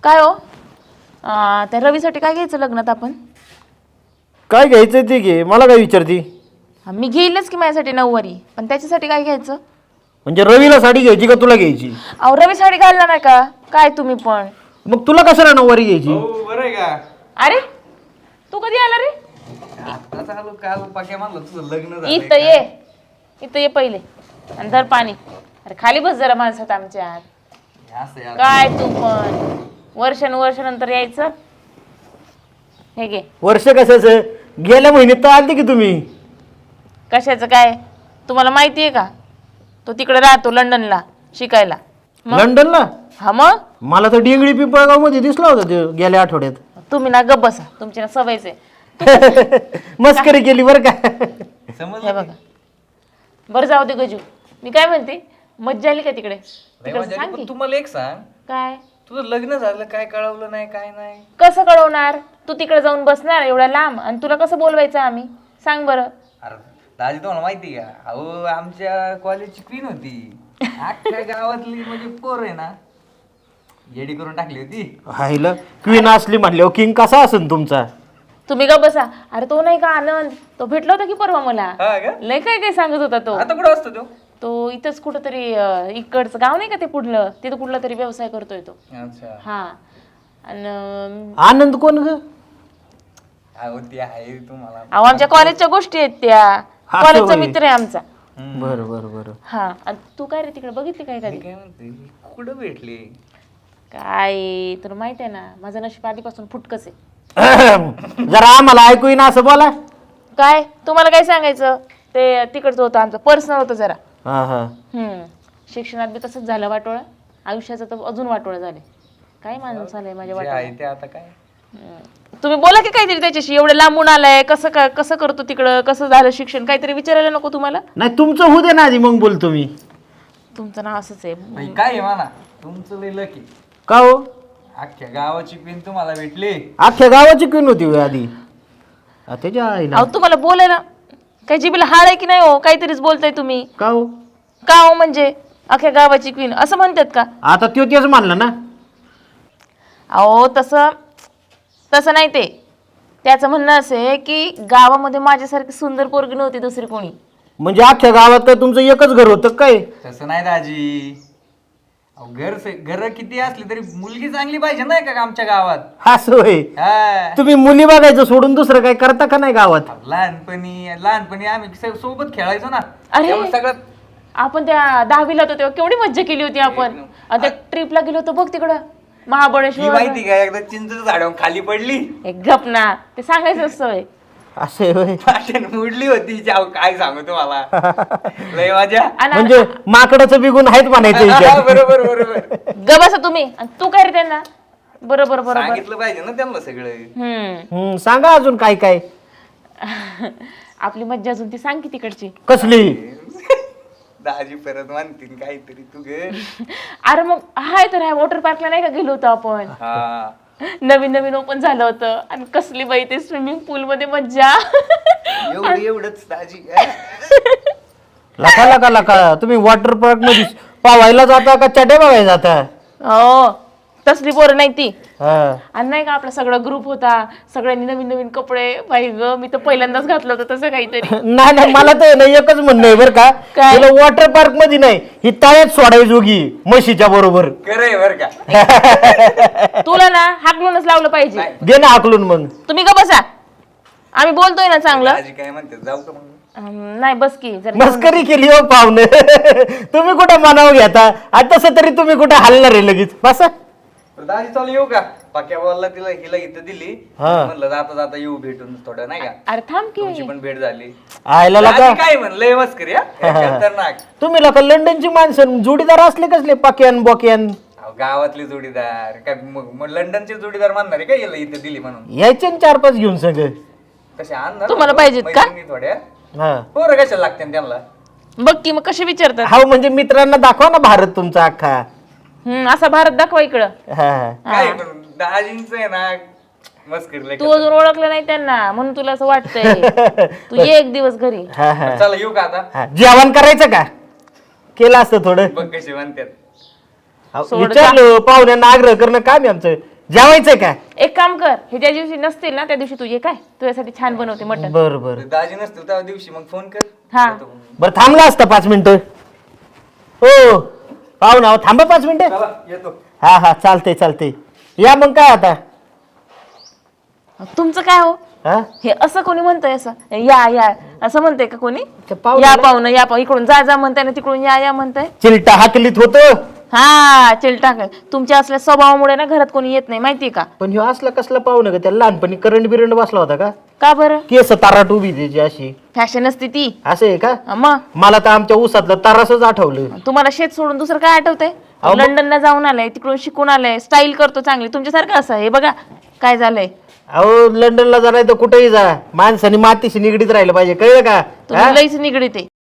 काय हो त्या रवीसाठी काय घ्यायचं लग्नात आपण? काय घ्यायचं ते घे, मला काय विचारती? मी घेईलच की माझ्यासाठी नऊवारी, पण त्याच्यासाठी काय घ्यायचं? म्हणजे रवीला साडी घ्यायची का तुला घ्यायची? अहो रवी साडी घालणार नाही का काय तुम्ही पण? मग तुला कशाला नऊवारी घ्यायची? हो बरं आहे का? अरे तू कधी आला रे? आता चालू काल पाक्या म्हणलं तुझं लग्न झालं इथं ये, इथं ये पहिले आणि धर पाणी. अरे खाली बस जरा माणसात आमच्या. असं यार काय तू पण वर्षानुवर्षानंतर यायचं. हे घे. वर्ष कशाचं? गेल्या महिन्यात तर आलते की तुम्ही. कशाचं काय तुम्हाला माहिती आहे का? तो तिकडे राहतो लंडनला शिकायला. लंडनला? हा मग मला तर डेंगळी पिंपळगाव मध्ये दिसला होता ते गेल्या आठवड्यात. तुम्ही ना गप्प बसा, तुमची ना सवयच आहे. मस्करी केली बरं का? हे समजलं बघा बरं जाऊ दे गजू. मी काय म्हणते, मज्जा आली का तिकडे? लय तिकडे मजा आली. सांग पण की. तुम्हाला एक सांग, काय तुझं लग्न झालं काय कळवलं नाही काय नाही? कसं कळवणार? तू तिकडे जाऊन बसणार एवढ्या लांब आणि तुला कसं बोलवायचं आम्ही? सांग बरं. अरे दाजी तुम्हाला माहिती का, अहो आमच्या कॉलेजची क्वीन होती, अख्ख्या गावातली म्हणजे पोर आहे ना येडी करून टाकली होती. हायला क्वीन असली म्हटल्यावर किंग कसा असेल तुमचा? तुम्ही का बसा. अरे तो नाही का आनंद, तो भेटला होता की परवा मला. हा का? लय काय काय सांगत होता तो. आता कुठं असतो तो? तो इथंच कुठंतरी इकडचं गाव नाही का ते पुढलं, तिथं कुठला तरी व्यवसाय करतोय तो. अच्छा. हा आणि आनंद कोण ग? अहो ती आहे तुम्हाला. अहो आमच्या कॉलेजच्या गोष्टी आहेत त्या. हा, कॉलेजचा होय. मित्र आहे आमचा. बरं बरं बरं. हा आणि तू काय रे तिकडे बघितली काय मी कधी? काय म्हणते, कुठं भेटली? काय तुला माहित आहे ना, माझं नशीब आधीपासून फुटकच आहे. जरा आम्हाला ऐकू येईना असं बोला. काय तुम्हाला काय सांगायचं, ते तिकडचं होतं आमचं पर्सनल होतं जरा. हा हा. शिक्षणात बी तसंच झालं वाटोळं, आयुष्याचं तर अजून वाटोळं झालंय. काय माणूस झालंय माझ्या जे वाटोळं. आहे ते आता काय? तुम्ही बोला की काहीतरी त्याच्याशी. एवढं लांबून आलाय, कसं करतो तिकडं, कसं झालं शिक्षण, काहीतरी विचारायला नको तुम्हाला? नाही तुमचं होऊ दे ना आधी, मग बोलतो मी. तुमचं नाव असंच आहे. बाई, काय आहे म्हणा, तुमचं लय लकी. का हो? अख्ख्या गावाची क्वीन तुम्हाला भेटली. अख्ख्या गावाची क्वीन होती होय आधी? त्याच्या आईला. अहो तुम्हाला बोलायला काही जिबीला हाड आहे की नाही हो? काहीतरीच बोलताय तुम्ही. का हो? का हो म्हणजे अख्ख्या गावाची क्वीन असं म्हणतात का? आता त्यो तेच मानलं ना. अहो तसं नाही ते. त्याचं म्हणणं असं आहे की गावामध्ये माझ्यासारखी सुंदर पोरगी नव्हती दुसरी कोणी. म्हणजे अख्ख्या गावात काय तुमचं एकच घर होतं काय? तसं नाही दाजी. अहो घर किती असली तरी मुलगी चांगली पाहिजे नाही का आमच्या गावात? असं होय. हा. तुम्ही मुली बघायचं सोडून दुसरं काय करता का नाही गावात? लहानपणी आम्ही सोबत खेळायचो ना. अरे! त्यामुळे सगळं आपण त्या 10वीला होतो तेव्हा केवढी मज्जा केली होती आपण. आणि त्या ट्रिपला गेलो होतो बघ तिकडं ही महाबळेश्वर. माहिती का, एकदा चिंचेच्या झाडावर खाली पडली, एक गप ना, ते सांगायचं असतं होय. असे होय. पाठण मुडली होती. जाऊ काय सांगू तुम्हाला, लय मजा. आणि म्हणजे माकडाचं बिगुण आहेत म्हणायचं हा, याच्यात. बरोबर बरोबर. ग बसा तुम्ही. आणि तू काय रे त्यांना? बरोबर बरोबर. सांगितलं पाहिजे ना त्यांना सगळं. सांगा अजून काय काय. आपली मज्जा अजून ती सांग की तिकडची. कसली? दाजी परत म्हणतील काहीतरी तू घर. अरे मग हाय तर वॉटर पार्कला नाही का गेलो होतो आपण? हा. नवीन ओपन झालं होतं आणि कसली बाई ते स्विमिंग पूल मध्ये मज्जा. एवढंच दाजी. लका लका लका, तुम्ही वॉटर पार्क मध्ये पावायला जाता का चटे बघायला जाता? हो तसली पोरं नाही ती. हा. आणि नाही का आपला सगळा ग्रुप होता, सगळ्यांनी नवीन कपडे. बाई ग मी तर पहिल्यांदाच घातलं होतं तसं काहीतरी. नाही मला तर नाही एकच म्हणणं आहे बरं का, काय? तुला वॉटर पार्क मध्ये नाही, ही तळ्यात सोडायची जोगी म्हशीच्या बरोबर. खरंय बर का. तुला ना हाकलूनच लावलं पाहिजे. दे ना हाकलून मग. तुम्ही का बसा, आम्ही बोलतोय ना चांगलं. दाजी काय म्हणते, जाऊ का मग? नाही बस की जर मस्करी केली हो पाहुणे. तुम्ही कुठं मनाव घेता? आता तसं तरी तुम्ही कुठं हलणार आहे लगेच. बसा. दाजी चालू येऊ का? पाक्या बॉलला हिला इथं दिली. हा. म्हणलं जाता येऊ भेटून थोडं नाही का, अरे थांब तुमची की. पण भेट झाली. आयला लका, दाजी काय म्हणलंय मस्करी हा? खतरनाक. तुम्ही लका लंडनची माणसं जोडीदार असले कसले पाक्यान बॉक्यान? अहो, गावातले जोडीदार काय मग लंडनचे जोडीदार मानणार आहे का हिला इथं दिली म्हणून? यायचे न 4-5 घेऊन सगळं. कसे आणणार तुम्हाला होतो, पाहिजेत का? मैत्रिणी थोड्या हा. पोरं कशाला लागते त्यांना? बघ की मग कसे विचारतात. हा म्हणजे मित्रांना दाखवा ना भारत तुमचा अख्खा. असा भारत दाखवा इकडं. हा. काय पण दाजींचं आहे ना मस्करी लय तू अजून ओळखलं नाही त्यांना म्हणून तुला असं वाटतंय. तू ये एक दिवस घरी. हा, हा. करतात. चला येऊ का आता? हा. जेवण करायचं का? केलं असतं थोडं. बघ कसे म्हणतात. विचारलं पाहुण्यांना आग्रह करणं काम आहे आमचं. जेवायचंय का? एक काम कर, हे ज्या दिवशी नसतील ना त्या दिवशी तू ये, काय तुझ्यासाठी छान बनवते मटण. बरं बरं दाजी नसतील त्या दिवशी मग फोन कर. हा येतो मग. बरं थांबला असता 5 मिनिटं. हो पाहून आहो, थांबा 5 मिनिटं. चला येतो. हा हा चालते या मग काय आता. तुमचं काय हो, हा हे असं कोणी म्हणतंय असं या असं म्हणतंय का कोणी? त्या पाहुण्याला- या पाहुणं या पाहू, इकडून जा म्हणताय ना तिकडून या म्हणताय. चिलटा हाकलीत होतं. हा चिलटा काय, तुमच्या असल्या स्वभावामुळे ना घरात कोणी येत नाही माहितीये का? पण ह्यो असला कसला पाहुणा का? त्याला लहानपणी करंट बिरंट बसला होता का? का बरं? केस ताराट उभी त्याची अशी. फॅशन असते ती. असं आहे का? मग मला तर आमच्या ऊसातलं तारासच आठवलं. तुम्हाला शेत सोडून दुसरं काय आठवतंय? अहो, मग- लंडनला जाऊन आलाय, तिकडून शिकून आलाय, स्टाईल करतो चांगली. तुमच्यासारखं असं हे बघा काय झालंय. अहो लंडनला जा नाही तर कुठेही जा, माणसाने मातीशी निगडीत राहिलं पाहिजे, कळलं का? तुम्ही लईच निगडीत आहे.